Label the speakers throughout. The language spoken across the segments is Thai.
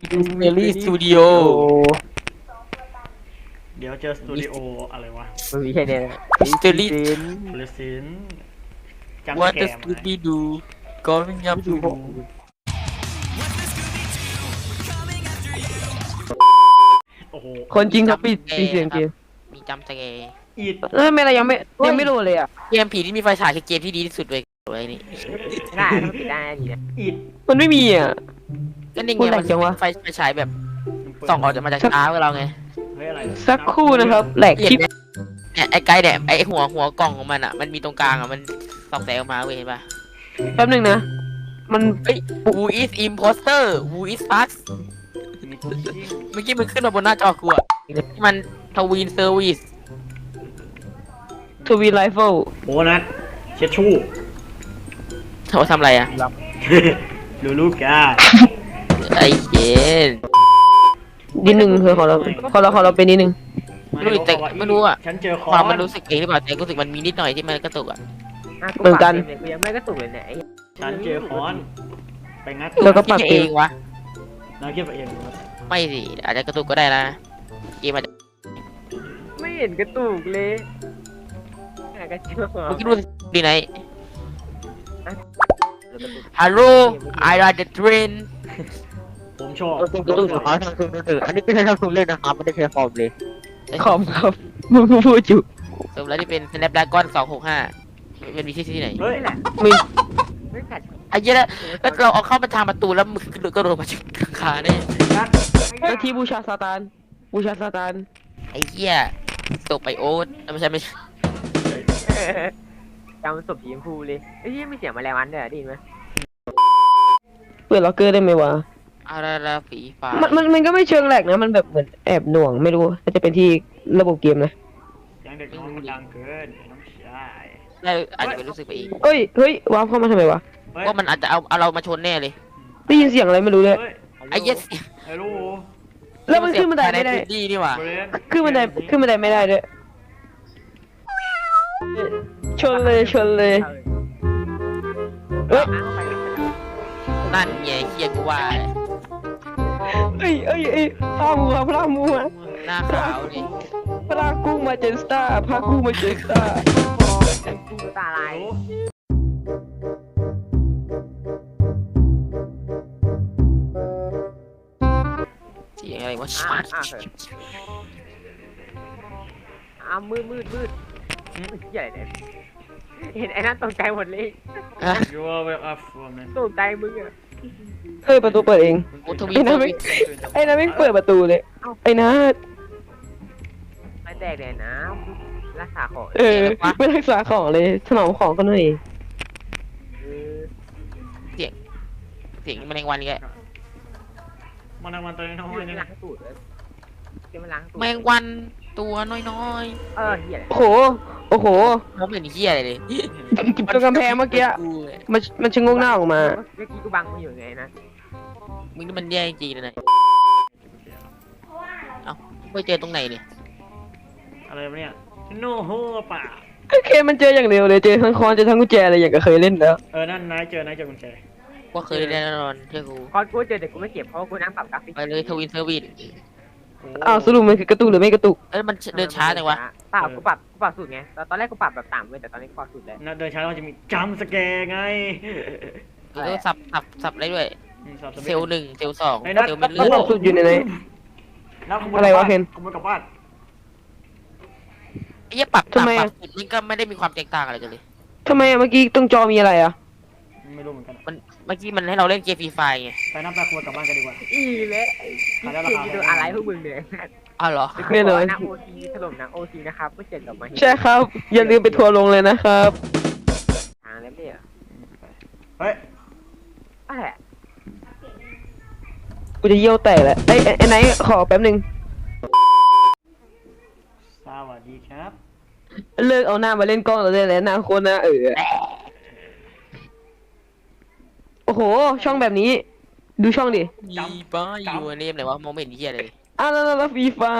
Speaker 1: เอลี่สตูดิโอ
Speaker 2: เดี๋ยวเจอสตูดิโออะไรวะ
Speaker 3: มันมีแค่เนี้ย
Speaker 1: มิสเตอรี่
Speaker 2: พลสินจำ
Speaker 1: ว่า
Speaker 2: แก
Speaker 1: จะส
Speaker 2: ม
Speaker 1: กูบี้ดูก็ไม่ยับดู
Speaker 2: โอ้โห
Speaker 3: คนจริงเขาปิดเสียงเกม
Speaker 1: มีจำสแกร์
Speaker 2: อีด
Speaker 3: แล้วทำไมเรายังไม่รู้เลยอ่ะ
Speaker 1: เกมผีที่มีไฟฉายคือเกมที่ดีที่สุดเลยไว้นี่
Speaker 3: ได้ต้องปิดได้ดีนะ
Speaker 2: อีด
Speaker 3: มันไม่มีอ่ะ
Speaker 1: ก็นี่
Speaker 3: พู
Speaker 1: ไง
Speaker 3: ดแหล
Speaker 1: มั
Speaker 3: ก
Speaker 1: น
Speaker 3: จังวะ
Speaker 1: ไฟฉายแบบส่องออกจากมาจากตาของเราไง
Speaker 2: เฮ้ยอะไร
Speaker 3: สักครู่นะครับแหลก
Speaker 1: เห็น
Speaker 3: คลิป
Speaker 1: ไหมเนี่ยไอ้ไกด์เนี่ยไอ้หัวกล่องของมันอ่ะมันมีตรงกลางอ่ะมันส่องแสงออกมาเว้ยเห็นปะ
Speaker 3: แป๊บหนึงนะ มัน
Speaker 1: เฮ้ย Who is imposter Who is us
Speaker 2: มีตัวจริง
Speaker 1: เมื่อกี้มันขึ้นมาบนหน้าจอกูอ่ะมันทวินเซอร์วิส
Speaker 3: ทวีไลฟ์
Speaker 2: โบนัสเช็ดชู่
Speaker 1: เขาทำอะไรอ่ะ
Speaker 2: ลูลูกา
Speaker 1: ไอ้เย็น
Speaker 3: นิดนึงคือของเราเป็นนิดนึง
Speaker 1: ไม่รู้แต่ไม่รู้อะ
Speaker 2: ฉันเจอคอ
Speaker 1: ความ
Speaker 2: น
Speaker 1: มันรู้สึกเองหรือเปล่าแต่รู้สึกมันมีนิดหน่อยที่มันกระตุกอ่ะ
Speaker 3: เหมือนกัน
Speaker 4: กูยังไม่กระตุกเลยเนี่ยไอ้
Speaker 2: ฉันเจอคอน ไปงัด
Speaker 3: แล้วก็ปรับ
Speaker 1: คิด
Speaker 3: เอ
Speaker 1: เอง งวะ
Speaker 2: แล้วคิดไปเองครับ
Speaker 1: ไม่สิอาจจะกระตุกก็ได้นะเกมอาจจะ
Speaker 4: ไม่เห็นกระตุกเลยหากระเชื่อ
Speaker 1: เมื่อกี้ดูดีไหนฮัลโหล I ride the train
Speaker 2: ผมชอบ
Speaker 3: กระตุ้นของเขาทางคืนอันนี้ไม่ใช่ทางคืนเล่นนะครับไม่ได้ใช้คอมเลยคอมครับมึงพูดอยู่
Speaker 1: สมแล้วที่เป็น Snapdragon 265เป็นวิธีที่ไหน
Speaker 2: เฮ้ย
Speaker 3: มี
Speaker 4: ไม่ขัด
Speaker 1: ไอ้เหี้ยแล้วเราเอาเข้ามาทางประตูแล้วมึงก็โดนมาจากหลังคาเนี่ย
Speaker 2: งัด
Speaker 3: หน้าที่บูชาซาตานบูชาซาตาน
Speaker 1: ไอ้เหี้ยตกไปโอ๊ตไม่ใช่ไม่ใช่
Speaker 4: จำศพสีชมพูเลยไอ้ยี่ไม่เสียงแมลงวันด้วยได้ยินไหม
Speaker 3: เปิดล็อกเกอร์ได้ไหมวะ
Speaker 1: อาราราฝีฟ้า
Speaker 3: มันก็ไม่เชิงแหลกนะมันแบบเหมือนแอบหน่วงไม่รู้อาจจะเป็นที่ระบบเกมนะ
Speaker 2: ยังเด็กน้องมันดังเกินน้องชาย
Speaker 1: ได้อาจจะเป็นรู้สึกไปเอง
Speaker 3: เฮ้ยวาร์ปเข้ามาทำไมวะ
Speaker 2: เฮ้ย
Speaker 1: ว่ามันอาจจะเอาเรามาชนแน่เลย
Speaker 3: ได้ยินเสียงอะไรไม่รู้เลย
Speaker 2: เฮ้ย
Speaker 1: ไอ้เหี้ย
Speaker 2: ฮัลโหล
Speaker 3: แล้วมันขึ้นบันไดไม่ได้
Speaker 1: ดีนี่หว่า
Speaker 2: เบรน
Speaker 3: ขึ้นบันไดไม่ได้ด้วยชนเลยเอ้ย
Speaker 1: นั่นไงเฮียกูว่า
Speaker 3: พามัว
Speaker 1: หน้าขาวนี่
Speaker 3: พากุ้งมาเจนสตาร์พากุ้งมาเจนสตาร์
Speaker 4: กูตาลาย
Speaker 1: เสียงอะไรวะ
Speaker 4: มืดใหญ่เลยเห็นไอ้นั่นตกใจหมดเลย
Speaker 1: อ่ะ
Speaker 2: ยูว่าเวลอัพฟอร์ม
Speaker 4: ตกใจมึงอะ
Speaker 3: เฮ้ยประตูเปิดเอง
Speaker 1: โอ้ทวี
Speaker 3: ไอ้นั่นไม่เปิดประตูเลยไอ้นัท
Speaker 4: ไม่แตกเลยนะรักษาของ
Speaker 3: ไม่รักษาของเลยถนอมของก็หน่อย
Speaker 1: เสียงแมลงวันอีกแล้ว
Speaker 2: มันมันตัวน้อย
Speaker 4: ไม่
Speaker 2: นี่
Speaker 4: ล้างตูดเลยไม่ล้างตูด
Speaker 1: แมลงวันตัวน้อย
Speaker 4: เหี้ย
Speaker 3: โอ้โห
Speaker 1: ๆผมเห็นเฮียอะไรเลย
Speaker 3: ตรงกำแพงเมื่อกี้มันชะงงหน้าออกมา
Speaker 4: เมื่อกี้กูบังมึงอยู่ไงนะ
Speaker 1: มึงนี่มันแย่จริงเลยนะเอ้าไปเจอตรงไหนเนี่ย
Speaker 2: อะไรวะเนี่ยโนโฮป่า
Speaker 3: เคมันเจออย่างเร็วเลยเจอทั้งคอนเจอทั้งกุญแจอะไรอย่างก็เคยเล่นแล้ว
Speaker 2: นั่นนายเจกุญแจ
Speaker 1: ว่าเคยแน่นอนเชื่อกู
Speaker 4: คอนกูเจอแต่กูไม่เก็บเพราะกูนั่งปรับกราฟิก
Speaker 1: ไปเลยทวินเซอร์วิส
Speaker 3: อ้าวสรุปมันคือกระตุกหรือไม่กระตุก
Speaker 1: มันเดินช้าจังวะ
Speaker 4: เปล่ากูปรับสูตรไงตอนแรกกูปรับแบบต่ำเลยแต่ตอนนี้กูปรับสูตรแล้ว
Speaker 2: น่าเดินช้าแล้วมันจะมีจัมสแกร์ไง
Speaker 1: แล้วก็สับได้ด้วยเซลล์หนึ่งเซลล์สอง
Speaker 2: ไอ้นัท
Speaker 1: เซลล์เป็น
Speaker 3: แล้
Speaker 1: เลื
Speaker 3: ว
Speaker 1: อด
Speaker 3: สุดอยู่ในไหน อะไรวะเคน
Speaker 2: ขโมยกลับบ้าน
Speaker 1: ไอ้เหี้ยปรับ
Speaker 3: ทำไม
Speaker 1: ป
Speaker 3: อะ
Speaker 1: รับสุดมันก็ไม่ได้มีความแตกต่างอะไรกันเลย
Speaker 3: ทำไมเมื่อกี้ตรงจอมีอะไรอ่ะ
Speaker 2: ไม่รู้เหมือนกัน
Speaker 1: เมื่อกี้มันให้เราเล่นเกมฟรีไฟไง
Speaker 2: ไปนับไปขโมยกลับบ้านกันดีกว่า
Speaker 4: อีเละคิดดูอะไรพวกมึงเนี่ย
Speaker 1: อ้าวเหรอ
Speaker 3: แน่นอน
Speaker 4: นักโอซีถล่มนักโอซีนะครับไม่เจ็ดกับมา
Speaker 3: ใช่ครับ อย่าลืมไปทัวร์ลงเลยนะครับ
Speaker 4: ทางแล้วเนี่ย
Speaker 2: เฮ้ย
Speaker 4: อะไร
Speaker 3: กูจะเยี่ยวแตกแล้วไอ้ไหนขอแป๊บนึง
Speaker 2: สวัสดีครับ
Speaker 3: เลิกเอาหน้ามาเล่นกล้องเราได้แล้วหน้าโคนหน้าโอ้โห ช่องแบบนี้ ดูช่องดิ
Speaker 1: มีป้ายอยู่ในเนมไหนวะมองไม่เห็นเหี้ยเลย
Speaker 3: แล้วฟรีไฟ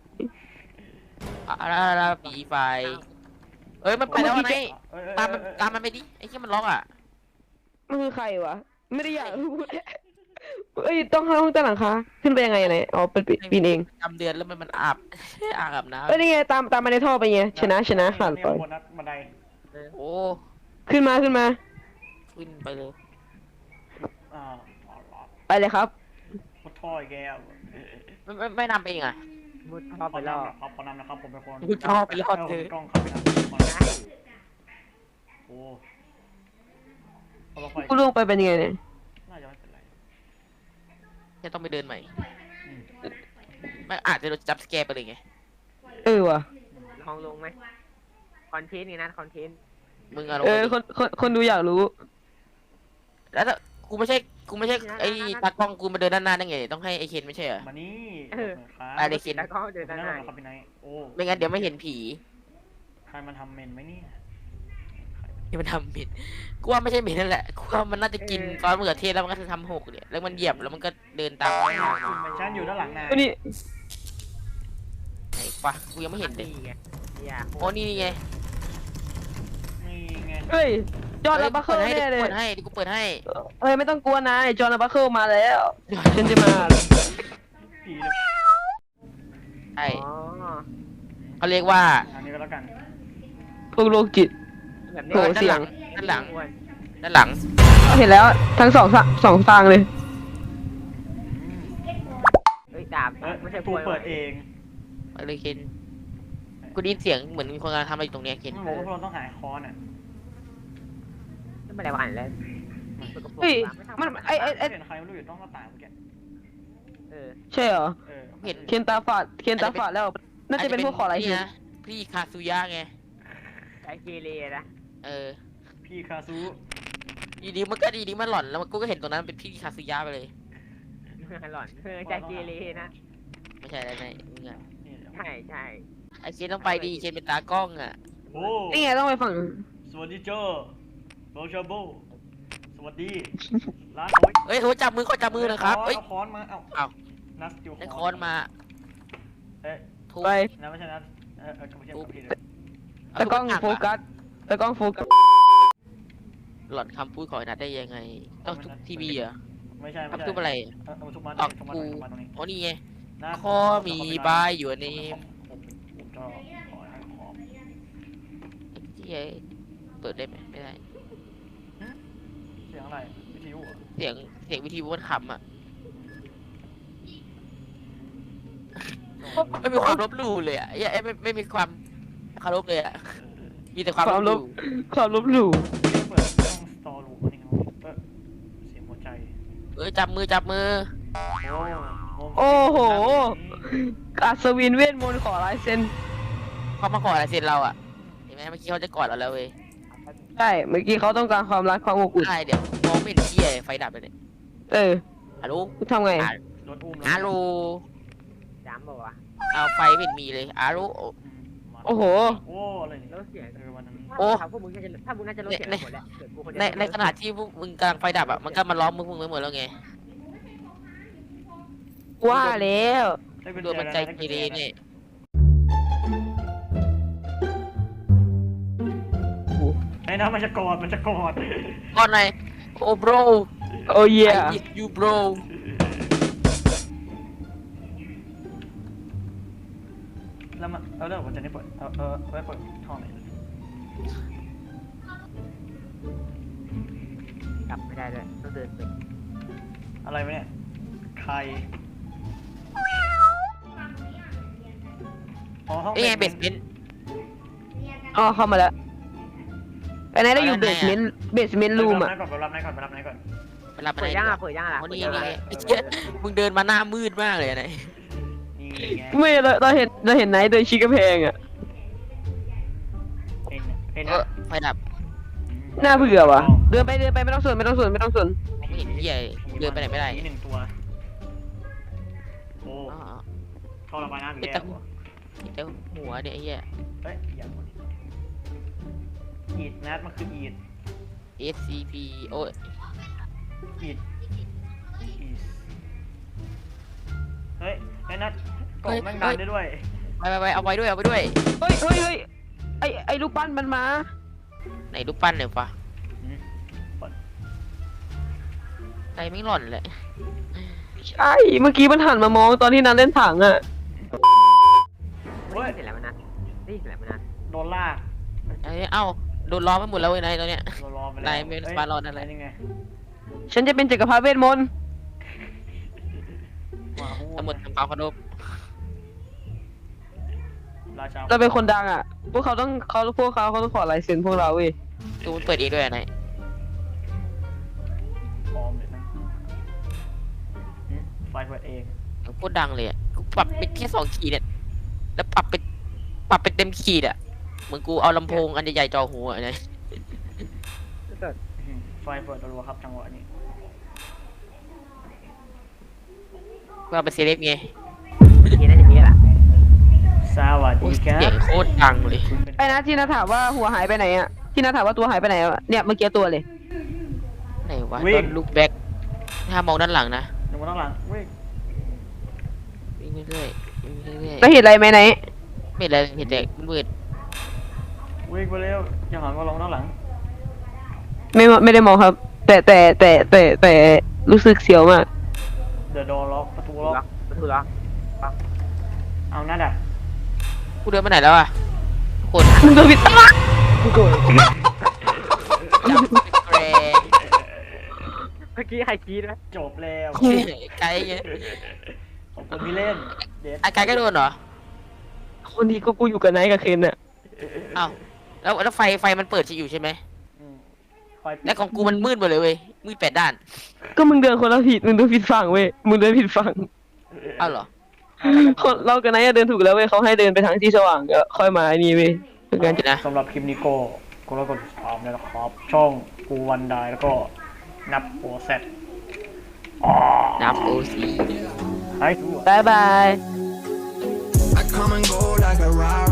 Speaker 1: อะไรฟรีไฟเอ้ยมันไปแล้วไงตามมันไปดิไอ้ที่มันล็อกอ่ะ
Speaker 3: มันคือใครวะ ไม่ได้อยากรู้
Speaker 4: เอ้ยต้องห้องใต้หลังคาขึ้นไปยังไงไหนอ๋อเป็นปีนเอง
Speaker 1: จำเดือนแล้วมันอาบ อาบน้
Speaker 4: เอ้ยนี่ไงตามมาในท่อไปไงชนะขาด
Speaker 2: นี่
Speaker 4: ไป
Speaker 2: บนนัดบันได
Speaker 1: ำโอ้
Speaker 4: ขึ้นมา
Speaker 1: ขึ้นไปเลย
Speaker 2: อ่า
Speaker 4: ไปเลยครับ
Speaker 2: พดท่ออีกแล้ว
Speaker 1: ไม่นำไปเองอ่ะ
Speaker 4: มุดท่อไปรอบ
Speaker 2: ครับขอนำนะครับผมเป็นคน
Speaker 1: มุดท่อไปรอบเธอ
Speaker 2: กล้องครับไปนะโอ้เอาลงไป
Speaker 4: กูลงไปเป็นยังไงเนี่ย
Speaker 2: น่าจะไม่เป็นไร
Speaker 1: จะต้องไปเดินใหม่
Speaker 2: อืม
Speaker 1: ไม่อาจจะโดนจับสแกร์ไปเลยไง
Speaker 4: ว่ะ
Speaker 5: ลองลงไหมคอนเทนต์ไงนะคอนเทนต์
Speaker 1: มึงอะลงไปดิ
Speaker 4: คนดูอยากรู้
Speaker 1: แล้วถ้ากูไม่ใช่ไอ้ตากล้องกูมาเดินด้านหน้าได้ไงต้องให้ไอ้เคนไม่ใช่เหรอ
Speaker 2: มานี่
Speaker 1: ไปเลย
Speaker 5: แล้วก็เดิน
Speaker 2: นั่
Speaker 5: ด้าน นหน้า
Speaker 2: ครับพี่ไนท์โอ้
Speaker 1: ไม่งั้นเดี๋ยวไม่เห็นผี
Speaker 2: ใครมันทำเมนไหมเนี่ย
Speaker 1: ที่มันทำผิดกูว่าไม่ใช่เหม็นนั่นแหละกูว่ามันน่าจะกินซอสมะเขือเทศแล้วมันก็จะทำหกเนี่ยแล้วมันเหยียบแล้วมันก็เดินตามไม่ได้
Speaker 2: ฉันอยู่ด้านหลังนาย
Speaker 4: นี่
Speaker 1: ไหนปะกูยังไม่เห็นเลย
Speaker 5: นี่ไงเนี่ย
Speaker 1: โอ้นี่ไง
Speaker 2: นี่ไง
Speaker 4: เฮ้ยจอห์นและบัคเคิลแน่เลย
Speaker 1: เปิดให้ดิกูเปิดให้
Speaker 4: เฮ้ยไม่ต้องกลัวนายจอห์นและบัคเคิลมาแล้วฉันจะมา
Speaker 2: ผีเลย
Speaker 1: ใช่
Speaker 5: อ๋อ
Speaker 1: เขาเรียกว่า
Speaker 2: อันนี้ก็แล้วกัน
Speaker 4: พวกโรคจิต
Speaker 5: แบบ
Speaker 4: โอ้
Speaker 5: นี้
Speaker 4: เสียง
Speaker 1: ด้านหลังด้านหลัง
Speaker 4: เห็นแล้วทั้งสองทางเลย
Speaker 5: เฮ้ยดาบ ไม่ใช่
Speaker 2: กู
Speaker 5: ป่วย
Speaker 2: เปิดเอง
Speaker 1: ไปเลยเคนกูได้ยินเสียงเหมือนมีคนกำลังทำอะไรอยู่ตรงเนี้ยเคน
Speaker 2: ไม่บอกว่าพวกเราต้องหาคอนอ่ะ
Speaker 5: ไม่ได้วันแล้ว
Speaker 4: เฮ้ยมันไอ
Speaker 2: เห็นใครไม่รู้อยู่ต้องหน้าต่างเมื่อกี้
Speaker 5: เออ
Speaker 4: ใช่เหรอ
Speaker 2: เออ
Speaker 4: เคนตาฝาดแล้วน่าจะเป็นพวกขออะไร
Speaker 1: นี่
Speaker 4: หิน
Speaker 1: นะพี่คาซุยะไง
Speaker 5: ไอเกเรนะ
Speaker 1: เออ
Speaker 2: พี่คาซู
Speaker 1: ดีดีมันก็ดีดีมันหล่อนแล้วกูก็เห็นตรงนั้นเป็นพี่คาซุยะไปเลย
Speaker 5: หล่อนใจเกเรนะ
Speaker 1: ไม่ใช่อะไรนะมึงอะ
Speaker 2: นี่เดี๋ยว
Speaker 5: ใช่ใช่
Speaker 1: ไอเคนต้องไปดีเคนเป็นตากล้องอ่ะ
Speaker 2: โอ้
Speaker 4: นี่ไงต้องไปฝั่ง
Speaker 2: สวัสดีเจ้าโรชาโบสวัสดีร้านโอ้ย
Speaker 1: เฮ้ยเขาจับมือเขาจับมือนะครับเฮ้ย
Speaker 2: เอาค้อนมาเอ้า
Speaker 1: เอ้า
Speaker 2: นัสติว
Speaker 1: ได้คอนมา
Speaker 2: เอ๊ะ
Speaker 1: ทุบ
Speaker 4: ไป
Speaker 2: นัสไม่ใช่นัสก็ไม่ใช่กับพี่เลย
Speaker 4: ตะกล้องโฟกัสตะกล้องโฟกัส
Speaker 1: หล่อนคำพูดของไอ้นัดได้ยังไง ต้องทุบทีวีเหรอ
Speaker 2: ไม่ใช่ไม่
Speaker 1: ต้อง
Speaker 2: ใช่
Speaker 1: ทุบอะไร
Speaker 2: เอาทุบมัน
Speaker 1: ออก
Speaker 2: ทุบมัน
Speaker 1: กู
Speaker 2: ทุบมันตรงนี้
Speaker 1: อ๋อนี่ไง
Speaker 2: นัส
Speaker 1: ข้อมีบายอยู่ใน
Speaker 2: ผมจะขอให้ขอ
Speaker 1: ที่ไอ้เปิดได้ไหมไม่ได้
Speaker 2: เสียงอะไรวิทยุเหรอ
Speaker 1: เสียงวิทยุมันขำอ่ะไม่มีความลบหลู่เลยอ่ะไอ้ไม่มีความเคารพเลยอ่ะมีแต่ความลบหลู่
Speaker 4: ความลบหลู่
Speaker 2: เปิดช่องสตอรูมันนี่ครับเสียงหัวใจ
Speaker 1: จับมือ
Speaker 4: โอ้โหอัศวินเวทมนต์ขอลายเซ็น
Speaker 1: เขามาขอลายเซ็นเราอ่ะเห็นไหมเมื่อกี้เขาจะกอดเราแล้วเว้ย
Speaker 4: ใช่เมื่อกี้เขาต้องการความรักความอบอุ่น
Speaker 1: ได้เดี๋ยวมองไม่เห็นเที่ยไฟดับเลยเนี่ย
Speaker 4: เออ
Speaker 1: ฮัลโหล
Speaker 4: ทำไง
Speaker 2: โดนอุ้ม
Speaker 1: ฮัลโหล
Speaker 5: จำบอกว่า
Speaker 1: เอาไฟไม่เห็นมีเลยฮัลโหล
Speaker 4: โอ้โห
Speaker 2: โอ้อะไรนี่
Speaker 5: แล้วเสียง
Speaker 2: วันนั้น
Speaker 1: โอ้
Speaker 5: พวกมึงน่าจะถ้ามึงน่าจะรู้เสียงหมดแล้วเกิดกูคนเดียว
Speaker 1: ในขณะที่พวกมึงกำลังไฟดับอ่ะมันก็มาล้อมมึงไปหมดแล้วไง
Speaker 4: ว่าแล้ว
Speaker 1: โดนมันใจเกเรเนี่ย
Speaker 2: ไอ้นะมันจะกอดมันจะกอด
Speaker 1: ก่อนหน่อยโอ้ bro
Speaker 4: โอ้ย
Speaker 1: I miss you bro
Speaker 2: แล้วมันเดี๋ยวผมจะได้เปิดไว้เปิดท่อไหน
Speaker 5: กลับไม่ได้ด้วยต้องเดินไป
Speaker 2: อะไรวะเนี่ยใครอ๋อห้อง
Speaker 1: นี่ไงเบสเมนต์
Speaker 4: อ๋อเข้ามาแล้วไอ้นายได้อยู่เบสเมนต์รูมอ่ะ
Speaker 2: ไปรับนายก่อนไปรับนายก่อน
Speaker 1: ไปรับมา
Speaker 5: เปิด
Speaker 1: ได้
Speaker 5: ย่าง
Speaker 1: ดีก
Speaker 5: อ่ะ
Speaker 1: ว่า
Speaker 5: เปิดย่างอ่ะ
Speaker 1: โอ้นี่
Speaker 5: เปิด
Speaker 1: ไง
Speaker 5: ย่าง
Speaker 1: ไอ้เหี้ยมึงเดินมาหน้ามืดมากเลยไหน
Speaker 2: นี่ไง
Speaker 4: ไม่เราเห็นนายเดินชี้กระแพงอ่ะ
Speaker 2: เอ็น
Speaker 1: เออไฟดับ
Speaker 4: น่าเบื่อว่ะเดินไปไม่ต้องสน
Speaker 1: มองไม่เห็นเหี้ยเดินไปไหนไม่ได้
Speaker 2: นี่หนึ่งตัวโอ้
Speaker 1: อ๋อ
Speaker 2: เข้าระบายน้ำอีก
Speaker 1: เห็น
Speaker 2: แล้
Speaker 1: แต่
Speaker 2: ว
Speaker 1: เห็นแต่หัวเนี่ยไอ้เหี้ย
Speaker 2: เฮ้ยอย่างนี้อีดนัดมันคืออีด
Speaker 1: SCP โอ้ย
Speaker 2: อีดเฮ้ยไอ้นัดกล่องแม่งดันได้ด้วย
Speaker 1: ไปเอาไว้ด้วย
Speaker 4: เฮ้ยไอ้ลูกปั้นมันมา
Speaker 1: ไหนรูปปั้นเนี่ยวะใจไม่หล่อนเลย
Speaker 4: ใช่เมื่อกี้มันหันมามองตอนที่นันเล่นถังอ่ะ
Speaker 2: เฮ้ย
Speaker 5: ได้ยินเสร็จแล้วมันนัดได้ยินเสร็จแล้วมันนัด
Speaker 2: โดนลาก
Speaker 1: เอ้าโดนล้อมไปหมดแล้วเว้ยนายตอนเนี้ย
Speaker 2: เรารอไปแล้ว
Speaker 1: นายไม่
Speaker 2: เอ้ย
Speaker 1: ปารอดอะไร
Speaker 2: นี่ไง
Speaker 4: ฉันจะเป็นจักรพรรดิเวทมนต์
Speaker 2: หมาหู
Speaker 1: สมุดทำความเคารพ
Speaker 2: ราชา
Speaker 4: เราเป็นคนดังอ่ะ พวกเขาต้องขอลายเซ็นพวกเราเว้ย
Speaker 1: ดูมันเปิดเองด้วยนาย
Speaker 2: พร้อมเลยนะไฟเปิดเอง
Speaker 1: พูดดังเลยอ่ะกูปรับเป็นแค่2 ขีดเนี่ยแล้วปรับเป็นเต็มขีดอ่ะเหมือนกูเอาลำโพงอันใหญ่ๆจ่อหัวไง
Speaker 2: ไฟเปิดรัวๆครับจังหวะนี้
Speaker 1: กูเอาเป็นเซเลบไง
Speaker 5: ทีน่าจะมีแหละ
Speaker 2: สวัส
Speaker 1: โอ้
Speaker 2: ดี
Speaker 1: ย
Speaker 2: ครั
Speaker 1: เสีย
Speaker 2: บ
Speaker 1: งโคตรดังเลย
Speaker 2: คุณเป็น
Speaker 4: ไอ้นะที่นัทถามว่าหัวหายไปไหนอ่ะที่นัทถามว่าตัวหายไปไหนอะเนี่ยเมื่อกี้ตัวเลย
Speaker 1: ไหนวะตอนลุกแบ็คถ้ามองด้านหลังนะ
Speaker 2: หนึ่งมาตั้งหลังเว้ย
Speaker 1: วิ่งไปเรื่อยวิ่งไปเรื่อย
Speaker 4: แล้วเห็นอะไรไหมไหน
Speaker 1: ไม่เห็นอะไรเห็นแต่มืด
Speaker 2: วิ่งไปเร็วอย่าหันมาลงด้านหลัง
Speaker 4: ไม่ได้มองครับ แต่รู้สึกเสียวมาก
Speaker 2: เดี๋ยวโดนล็อกประตูล็อก
Speaker 5: ล็อกประตูล็อก
Speaker 2: เอาหน้าดัก
Speaker 1: กูเดินไปไหนแล้วอ่ะคน
Speaker 4: มึงตัวผิดตั้ง
Speaker 1: จับแกร
Speaker 5: เมื่อกี้ใครกรีดไหม
Speaker 2: จบแล้ว
Speaker 1: ไกลไง
Speaker 2: ขอบคุณที่เล่นเด็ด
Speaker 1: ไกลก็โดนเหรอ
Speaker 4: คนนี้ก็กูอยู่กับไนท์กับเคนน่ะ
Speaker 1: อ้าวแล้วไฟมันเปิดอยู่ใช่ไหม
Speaker 2: อืมไฟปิด
Speaker 1: แล้วของกูมันมืดหมดเลยเว้ยมืด8 ด้าน
Speaker 4: ก็มึงเดินคนละผิดมึงเดินผิดฝั่งเว้ยมึงเดินผิดฝั่ง
Speaker 1: อ้าวเหรอ
Speaker 4: คนเรากับไนท์อะเดินถูกแล้วเว้ยเขาให้เดินไปทางที่สว่างก็ค่อยมาไอ้นี่เว้ยเป็นการ
Speaker 1: เดี๋ยวนะ
Speaker 2: สำหรับคลิปนี้ก็แล้วกดติดตามด้วยนะครับ ช่องกูวันไดแล้วก็นับโอเซตอ๋อ
Speaker 1: นับโอซี
Speaker 2: ให้ทั่ว
Speaker 4: บายบาย
Speaker 6: I come and go like a ride.